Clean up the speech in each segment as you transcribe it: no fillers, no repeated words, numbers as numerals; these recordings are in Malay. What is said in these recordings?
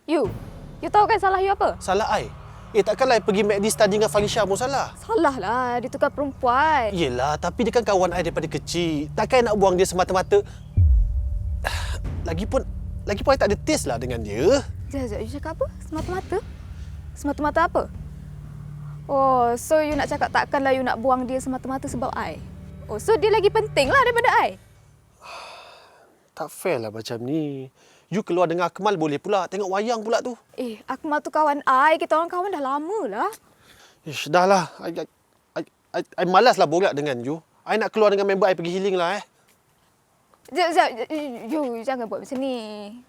You tahu kan salah you apa? Salah I? Takkanlah I pergi MACD study dengan Falisha pun salah. Salah lah, dia tukar perempuan. Yelah, tapi dia kan kawan I daripada kecil. Takkan I nak buang dia semata-mata. Lagipun I tak ada taste lah dengan dia. Sekejap, you cakap apa? Semata-mata? Semata-mata apa? Oh, so you nak cakap takkanlah you nak buang dia semata-mata sebab I? Oh, so dia lagi penting lah daripada I? Tak fair lah macam ni. You keluar dengan Akmal boleh pula. Tengok wayang pula tu. Akmal tu kawan I. Kita orang kawan dah lama lah. Ish, dah lah. I malas lah borak dengan you. I nak keluar dengan member I pergi healing lah Sekejap. You jangan buat macam ni.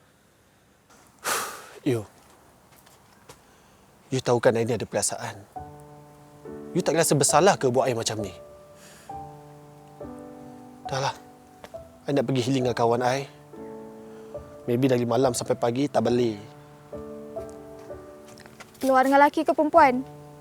You tahu kan I ni ada perasaan. You tak rasa bersalah ke buat I macam ni? Dah lah. I nak pergi healing dengan kawan I. Maybe dari malam sampai pagi tak balik. Keluar dengan lelaki ke perempuan?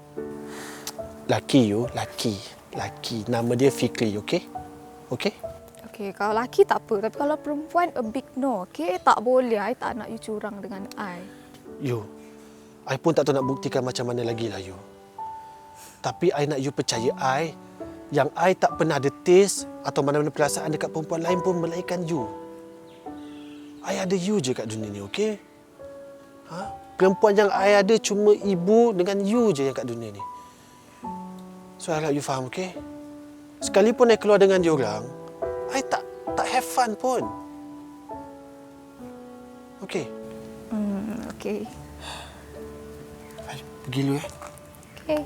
Laki you, laki. Nama dia Fikri, okey? Okey? Okey, kalau lelaki tak apa. Tapi kalau perempuan, a big no, okey? Tak boleh. I tak nak you curang dengan I. I pun tak tahu nak buktikan macam mana lagi lah you. Tapi I nak you percaya I yang I tak pernah ada taste atau mana-mana perasaan dekat perempuan lain pun melainkan you. I ada you je kat dunia ni, okey? Perempuan yang I ada cuma ibu dengan you je yang kat dunia ni. So, I harap you faham, okey? Sekalipun I keluar dengan diorang, I tak have fun pun. Okey? Okey. I pergi dulu, Okey.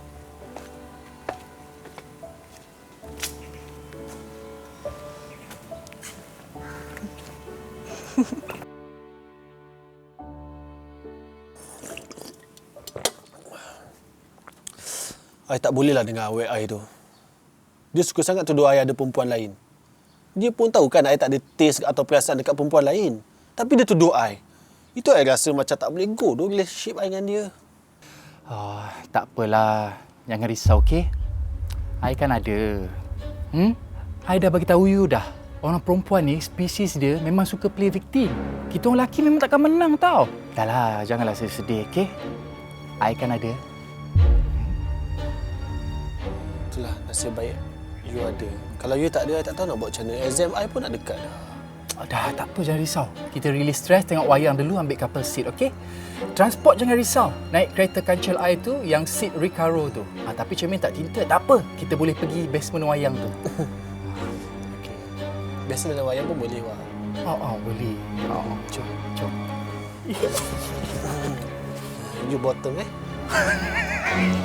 I tak bolehlah dengan awek I tu. Dia suka sangat tuduh I ada perempuan lain. Dia pun tahu kan I tak ada taste atau perasaan dekat perempuan lain. Tapi dia tuduh I. Itu I rasa macam tak boleh go tu relationship I dengan dia. Tak apalah. Jangan risau, okey? I kan ada. I dah bagi tahu you dah. Orang perempuan ni, spesies dia memang suka play victim. Kita orang lelaki memang takkan menang tau. Dah lah, janganlah sedih, okey? I kan ada. Itulah, nasib baik you ada. Kalau you tak ada, I tak tahu nak buat macam mana. Exam I pun nak dekat dah. Dah, tak apa, jangan risau. Kita release stress, tengok wayang dulu, ambil couple seat, okey? Transport jangan risau. Naik kereta kancil air tu, yang seat Recaro tu. Tapi cermin tak tinted, tak apa. Kita boleh pergi basement wayang tu. Okey. Biasa dalam wayang pun boleh, Wak. Boleh. Jom. You bottom,